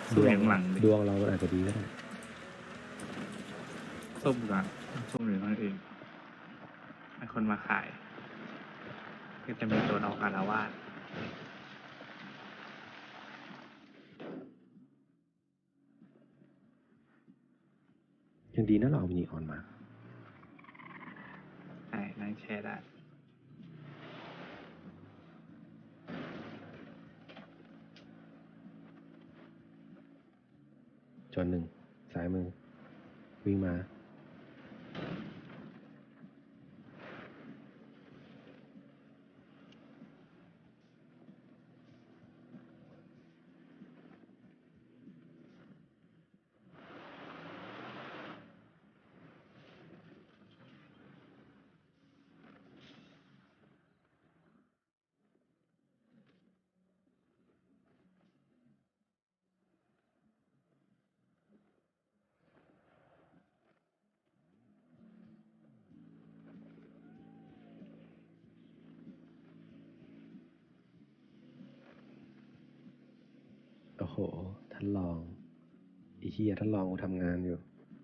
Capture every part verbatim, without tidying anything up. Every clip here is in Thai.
ดสุ่มวอง ยู่หลังดิดวงเราอาจจะดีก็ได้ส้มก่อนส้มหรือคนอื่นให้คนมาขาย ก็จะมีตัวน้องอารวาสยังดีนะเราเอามินิออนมาใช่นั่งแชร์ได้จนหนึ่งสายมือ วิ่งมา โอ้โห ท่านรองไอ้เฮียท่านรองกูทำงานอยู่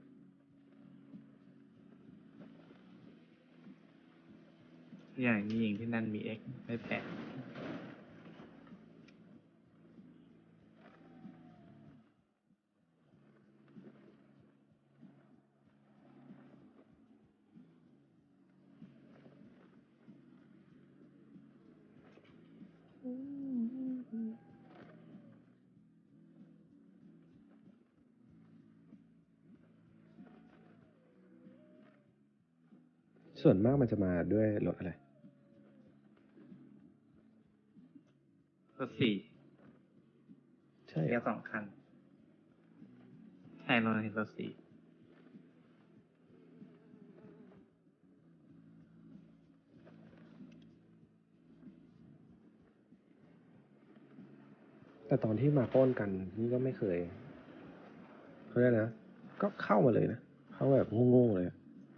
อย่างนี้ยิงที่นั่นมีเอ็กไม่แปลกส่วนมากมันจะมาด้วยรถอะไรรถสี่ใช่เรียกสองคัน ใช่เราเห็นรถสี่แต่ตอนที่มาปล้นกันนี่ก็ไม่เคยเขาเรียกนะ ก็เข้ามาเลยนะ เข้าแบบโง่ๆเลยอะ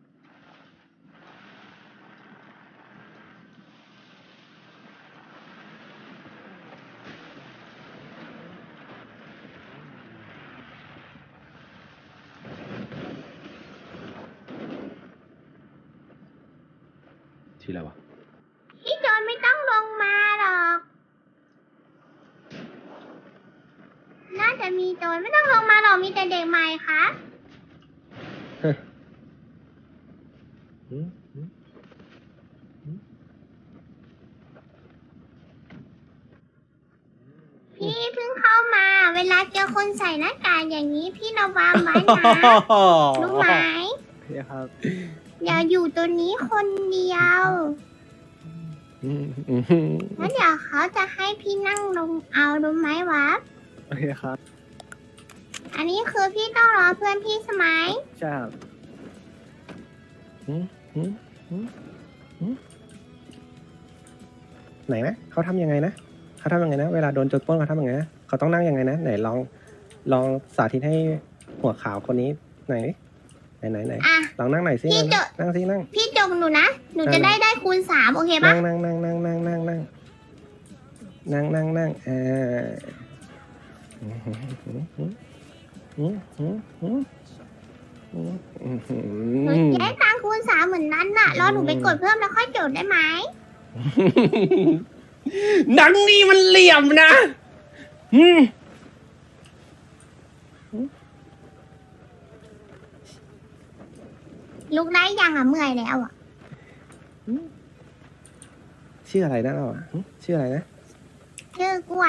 ที่อะไรวะพี่โจรไม่ต้องลงมาหรอก น่าจะมีโจรไม่ต้องลงมาหรอกมีแต่เด็กใหม่ค่ะหืมหืมหืมพี่เพิ่งเข้ามา เวลาเจอคนใส่หน้ากากอย่างนี้พี่ระวังไว้นะ รู้ไหมพี่ครับอย่าอยู่ตัวนี้คนเดียวอืมอืมอืมแล้วเดี๋ยวเขาจะให้พี่นั่งลงเอารู้ไหมวะโอเคครับอันนี้คือพี่ต้องรอเพื่อนพี่ใช่ไหมใช่ครับหืมหืมหืมหืมไหนนะเขาทำยังไงนะเขาทำยังไงนะ เวลาโดนโจรปล้นเขาทำยังไงนะเขาต้องนั่งยังไงนะ ไหนลอง ลองสาธิตให้หัวขาวคนนี้ไหนไหนไหนไหนอ่ะลองนั่งหน่อยสิพี่นั่งจะนั่งสินั่งพี่จงหนูนะ หนูจะได้ได้ได้คูณสามโอเคปะนั่งนั่งนั่งนั่งนั่งนั่งนั่งนั่งนั่งนั่งเออหืมหืมหืมหืมหืมหืมหืมหืหนูมจะได้ตังค์คูณสามเหมือนนั้นน่ะ รอหนูไปกดเพิ่มแล้วค่อยจดได้ไหมหนังนี่มันเหลี่ยมนะอืมลุกได้ยังอ่ะเมื่อยแล้วอ่ะชื่ออะไรนะเราอ่ะหึชื่ออะไรนะชื่อกล้วย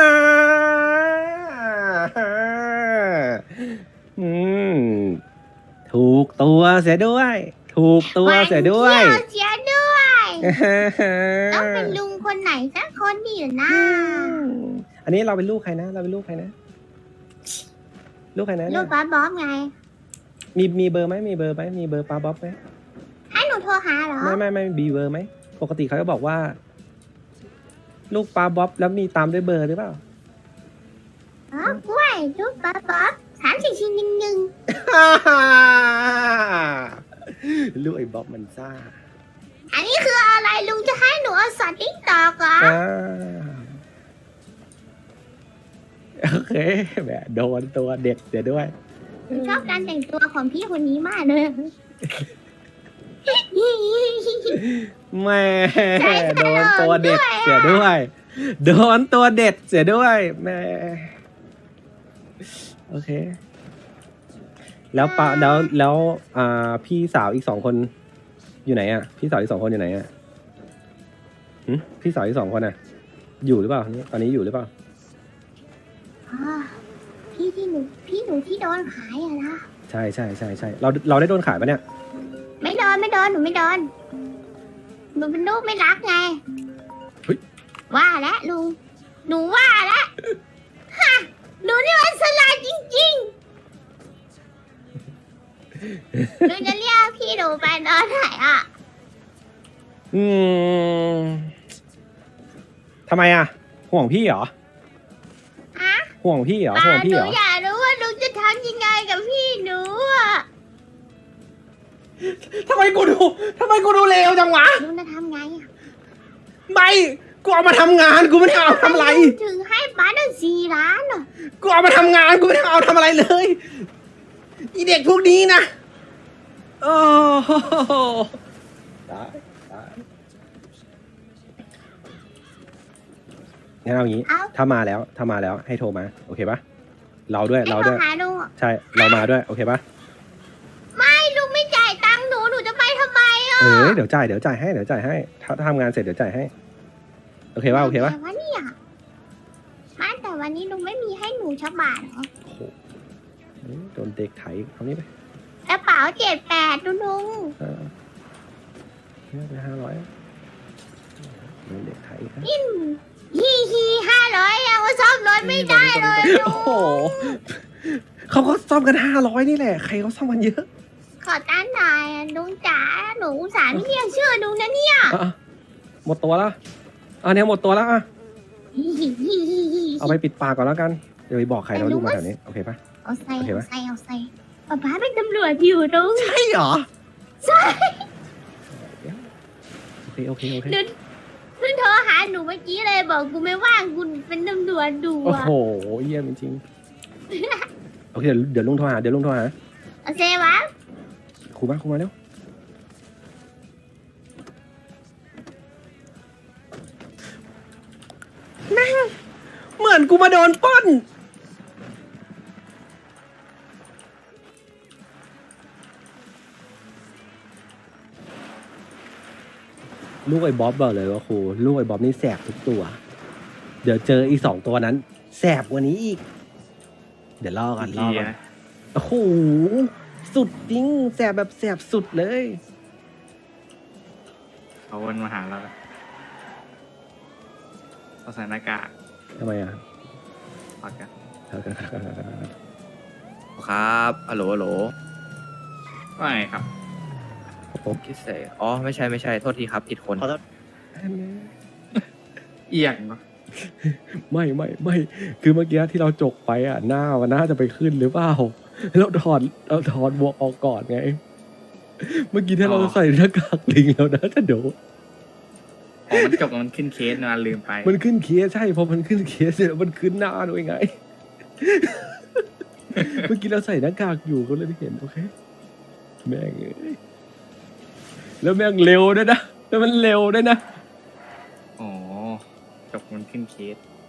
อืมถูกตัวเสียด้วย ถูกตัวเสียด้วยเที่ยวเสียด้วยต้องเป็นลุงคนไหนสักคนดีอยู่นะอันนี้เราเป็นลูกใครนะ เราเป็นลูกใครนะ ลูกใครนะลูเนี่ยกบ๊อบบ๊อบไงมีมีเบอร์ไหมมีเบอร์ไหมมีเบอร์ป้าบ๊อบไหมให้หนูโทรหาเหรอไม่ไม่ไม่มีเบอร์ไหมปกติเขาจะบอกว่า ลูกป้าบ๊อบแล้วมีตามด้วยเบอร์หรือเปล่าอ๋อกล้วยลูกบ๊อบบ๊อบสามสี่ชิ้นหนึ่งหนึ่งลูกไอ้บ๊อบมันซ่าอันนี้คืออะไรลุงจะให้หนูเอาสอดติ๊กตอกเหรออ่าโอเคแหมโดนตัวเด็ดเดี๋ยวด้วยชอบการแต่งตัวของพี่คนนี้มากเลยแม่โดนตัวเด็ดเสียด้วย โดนตัวเด็ดเสียด้วยแม่โอเค แล้วปะแล้วแล้วอ่าพี่สาวอีกสองคนอยู่ไหนอ่ะพี่สาวอีกสองคนอยู่ไหนอ่ะหึพี่สาวอีกสองคนอ่ะ อยู่หรือเปล่าตอนนี้อยู่หรือเปล่าอ่าพี่ที่หนูพี่หนูที่โดนขายอะนะใช่ใช่ใช่ใช่เราเราได้โดนขายปะเนี่ยไม่โดนไม่โดนหนูไม่โดนหนูเป็นลูกไม่รักไงเฮ้ยว่าแล้วลุงหนูว่าแล้วฮะหนูนี่มันสลาดจริงๆหนูจะเรียกพี่หนูไปตอนไหนอ่ะอืมทำไมอ่ะ ห่วงพี่เหรอฮะห่วงพี่เหรอป้าห่วงหพี่นูเหรออยากรู้ว่าลุงจะทำยังไงกับพี่หนูอ่ะทำไมกูดูทำไมกูดูเลวจังวะลุงจะทำไงอ่ะไม่กูเอามาทำงานกูไม่ได้เอาทำอะไรถึงให้ป้าตั้งสี่ล้านอ่ะกูเอามาทำงานกูไม่ได้เอาทำอะไรเลยอีเด็กพวกนี้นะโอ้โหตายตายงั้นเอางี้เอ้าถ้ามาแล้วถ้ามาแล้วให้โทรมาโอเคปะเราด้วยให้เราโทด้รวยหาลุงอ่ะใช่เรามาด้วยโอเคปะไม่ลุงไม่จ่ายตังค์หนูหนูจะไปทำไมอ่ะเออเดี๋ยวจ่ายเดี๋ยวจ่ายให้เดี๋ยวจ่ายให้ถ้าถ้าทำงานเสร็จเดี๋ยวจ่ายให้โอเคปะโอเคปะแต่ว่าเนี่ยไม่แต่วันนี้ลุงไม่มีให้หนูชักบาทเหรอโอ้โหโดนเด็กไถเอานี้ไปกระเป๋าเจ็ดแปดดูลุงเออเนี่ยไปห้าร้อยโดนเด็กไถครับฮีฮีห้าร้อยยังว่าซ่อมรถไม่ได้เลยลุโอ้งโหเขาก็ซ่อมกันห้าร้อยนี่แหละใครเขาซ่อมกันเยอะขอตั้งหน่อยอะลุงจ๋าหนูอุตส่าห์ไม่เรียกชื่อลุงนะเนี่ยอ่ะหมดตัวแล้วอ่ะเนี่ยหมดตัวแล้วอ่ะฮีฮีฮีฮีฮีเอาไปปิดปากก่อนแล้วกันเดี๋ยวไปบอกใครนะว่าลูกมาแถวนี้โอเคปะเอาใส่โอเคเอาปะใส่เอาใส่ป๊าป๊าเป็นตำรวจอยู่ลุงใช่เหรอใช่โอเคโอเคโอเคหนูเพิ่งโทรหาหนูเมื่อกี้เลยบอกกูไม่ว่างกูเป็นตำรวจดูโอ้อะโหเยี่ยมจริงๆโอเคเดี๋ยวเดี๋ยวลุงโทรหาเดี๋ยวลุงโทรหาเอาเซวะครูมาครูมาเร็วแม่งเหมือนกูมาโดนปล้นลูกไอ้บ๊อบบอกเลยว่าครูลูกไอ้บ๊อบนี่แสบทุกตัว เดี๋ยวเจออีกสองตัวนั้น แสบกว่านี้อีก เดี๋ยวรอกันรอดีกันนะโอ้โหสุดจริงแสบแบบแสบสุดเลยเขาวนมาหาเราแล้วเราใส่หน้ากากทำไมอ่ะถอดกันครับฮัลโหลฮัลโหลว่าไงครับคิดเสอ๋อ ไม่ใช่ไม่ใช่ โทษทีครับผิดคนเอียงเนาะไม่ไม่ไม่คือเมื่อกี้ที่เราจกไปอ่ะหน้ามันน่าจะไปขึ้นหรือเปล่าเราถอดเราถอดบวกออกก่อนไง เมื่อกี้ถ้าเราใส่หน้ากากลิงแล้วนะจะโดนอ๋อมันจบมันขึ้นเคสนะลืมไปมันขึ้นเคสใช่พอมันขึ้นเคสเสร็จแล้วมันขึ้นหน้าด้วยไง เมื่อกี้เราใส่หน้ากากอยู่ก็เลยไม่เห็นโอเคแม่งเอ้ยแล้วแม่งเร็วด้วยนะแล้วมันเร็วด้วยนะอ๋อจบมันขึ้นเคส